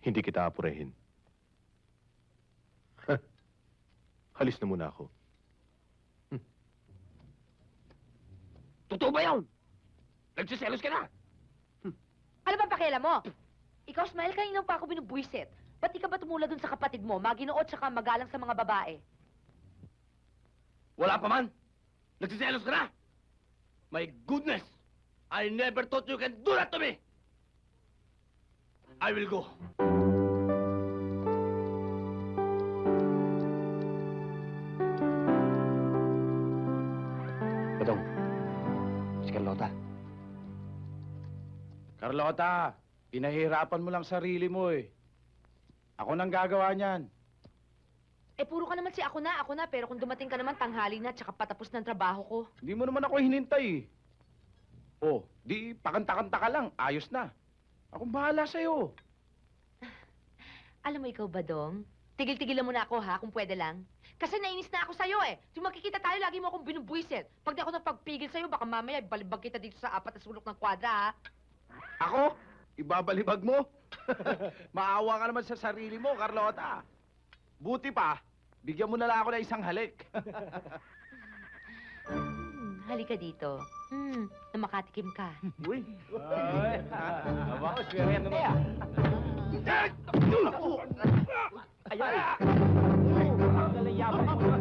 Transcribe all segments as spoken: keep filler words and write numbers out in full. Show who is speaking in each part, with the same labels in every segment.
Speaker 1: Hindi kita apurehin. Halis na muna ako. Hm.
Speaker 2: Totoo ba yun? Nagsiselos ka na?
Speaker 3: Hm. Ano ba pakialam mo? Ikaw, Smile, kanina pa ako binubuisit. Ba't di ka ba tumula dun sa kapatid mo, maginood tsaka magalang sa mga babae?
Speaker 2: Wala pa man! Nagsiselos ka na? My goodness! I never thought you can do that to me! I will go. Badong, si Carlota.
Speaker 4: Carlota, pinahirapan mo lang sarili mo eh. Ako nang gagawa niyan.
Speaker 3: Eh, puro ka naman si ako na, ako na, pero kung dumating ka naman tanghali na tsaka patapos ng trabaho ko.
Speaker 4: Hindi mo naman ako hinintay eh. Oh, di pakanta-kanta ka lang, ayos na. Akong bahala sa'yo.
Speaker 3: Alam mo ikaw, Badong, tigil-tigilan mo na ako ha, kung pwede lang. Kasi nainis na ako sa'yo eh. Yung magkikita tayo, lagi mo akong binubuisit. Pag di ako nagpagpigil sa'yo, baka mamaya balibag kita dito sa apat na sulok ng kwadra ha.
Speaker 4: Ako? Ibabalibag mo? Maawa ka naman sa sarili mo, Carlota. Buti pa, bigyan mo na lang ako ng isang halik.
Speaker 3: Hmm, halika dito. Hmm, na makatikim ka.
Speaker 4: Uy! Aba, swerte na niya. Ayan! Nalayaban mo.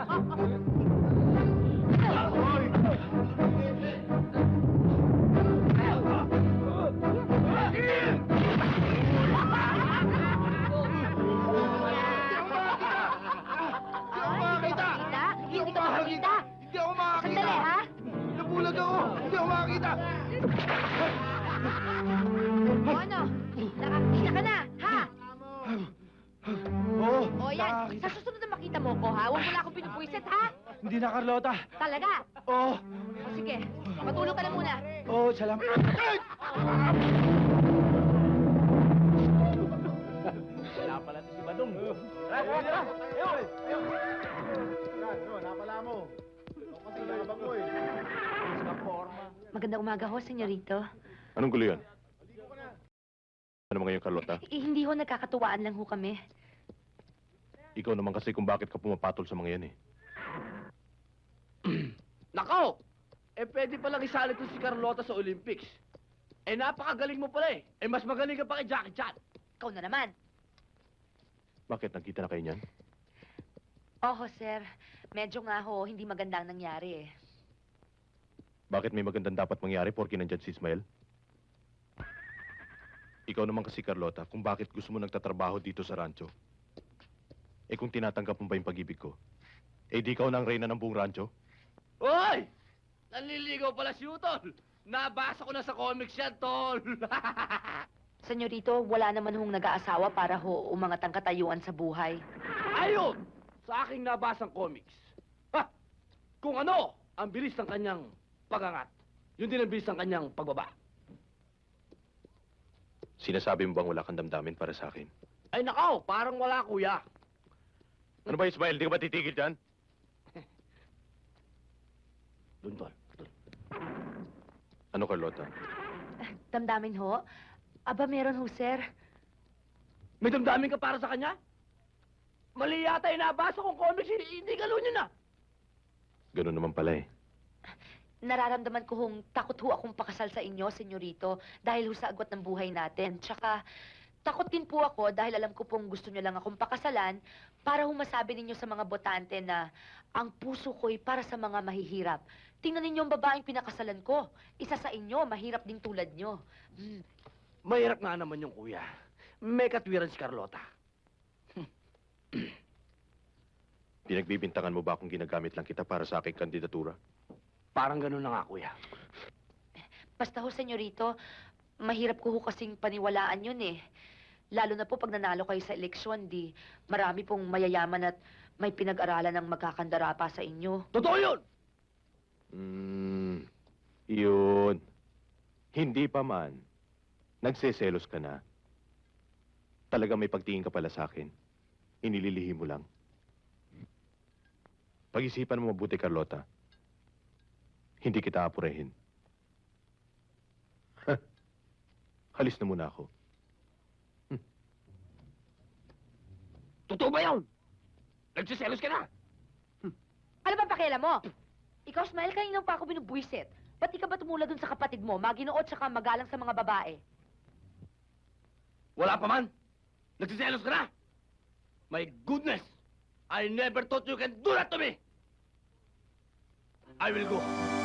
Speaker 3: Hindi ka makakita!
Speaker 4: Hindi ako makakita!
Speaker 3: Sandali, ha?
Speaker 4: Nabulag ako! Hindi ako makakita!
Speaker 3: O ano? Nakakita ka na, ha?
Speaker 4: Oo,
Speaker 3: O yan,
Speaker 4: nakakita.
Speaker 3: sa susunod na makita mo ko, ha? Huwag mo na akong pinupuisit, ha?
Speaker 4: Hindi na, Carlota.
Speaker 3: Talaga?
Speaker 4: Oo.
Speaker 3: O sige, matulog ka na muna.
Speaker 4: Oo, salamat. Wala pala si Badong. Tara, tara, tara! Ayaw! Ayaw! Ano, napala mo. Ito kasi labang mo eh. Sa forma.
Speaker 3: Magandang umaga ho, senyorito.
Speaker 1: Anong gulo yan? Ano mo ngayon, Carlota?
Speaker 3: Eh, hindi ho, nagkakatuwaan lang ho kami.
Speaker 1: Ikaw naman kasi kung bakit ka pumapatol sa mga yan eh.
Speaker 2: Nako! Eh, pwede palang isali ko si Carlota sa Olympics. Eh, napakagaling mo pala eh. Eh, mas magaling ka pa kay Jackie Chan.
Speaker 3: Ikaw na naman.
Speaker 1: Bakit? Nagkita na kayo niyan?
Speaker 3: Oho, sir. Medyo nga ho, hindi magandang nangyari eh.
Speaker 1: Bakit may magandang dapat mangyari porke nandyan si Ismael? Ikaw naman kasi, Carlota, kung bakit gusto mo nagtatrabaho dito sa rancho. Eh kung tinatanggap mo ba yung pag-ibig ko, eh di ikaw na ang reyna ng buong rancho?
Speaker 2: Hoy! Nanliligaw pala si Utol. Nabasa ko na sa comics yan, Tol.
Speaker 3: Senyorito, wala naman hong nag-aasawa para ho umangat ang katayuan sa buhay.
Speaker 2: Ayun! Sa aking nabasang comics. Ha! Kung ano ang bilis ng kanyang pagangat, yun din ang bilis ng kanyang pagbaba.
Speaker 1: Sinasabi mo bang wala kang damdamin para sa akin?
Speaker 2: Ay nakaw, parang wala, kuya.
Speaker 1: Ano ba, Ismael? Di ka ba titigil dyan?
Speaker 2: Doon, Tol. Doon.
Speaker 1: Ano, Carlota?
Speaker 3: Damdamin ho? Aba, meron ho, sir.
Speaker 2: May damdamin ka para sa kanya? Mali yata yung nabasa kong comics, hindi, hindi galo niyo na.
Speaker 1: Ganun naman pala eh.
Speaker 3: Nararamdaman ko hong takot ho akong pakasal sa inyo, senyorito, dahil ho sa agwat ng buhay natin. Tsaka, takot din po ako dahil alam ko pong gusto niyo lang akong pakasalan para ho masabi ninyo sa mga botante na ang puso ko'y para sa mga mahihirap. Tingnan ninyo ang babaeng pinakasalan ko. Isa sa inyo, mahirap din tulad nyo. Hmm.
Speaker 2: Mahirap nga naman yung kuya. May katwiran si Carlota.
Speaker 1: Pinagbibintangan mo ba kung ginagamit lang kita para sa aking kandidatura?
Speaker 2: Parang ganun na nga, kuya.
Speaker 3: Basta ho, senyorito, mahirap ko ho kasing paniwalaan yun eh. Lalo na po pag nanalo kayo sa eleksyon, di marami pong mayayaman at may pinag-aralan ng magkakandara pa sa inyo.
Speaker 2: Totoo yun!
Speaker 1: Hmm, yun. Hindi pa man. Nagseselos ka na. Talaga may pagtingin ka pala sa akin. Inililihim mo lang. Pag-isipan mo mabuti, Carlota. Hindi kita apurehin. Halis na muna ako.
Speaker 2: Totoo ba yun? Nagsiselos ka na?
Speaker 3: Ano ba pakialam mo? Ikaw, Smile, kanina pa ako binubuisit. Ba't di ka ba tumula dun sa kapatid mo, maginood tsaka magalang sa mga babae?
Speaker 2: Wala pa man. Nagsiselos ka na? My goodness! I never thought you can do that to me! I will go.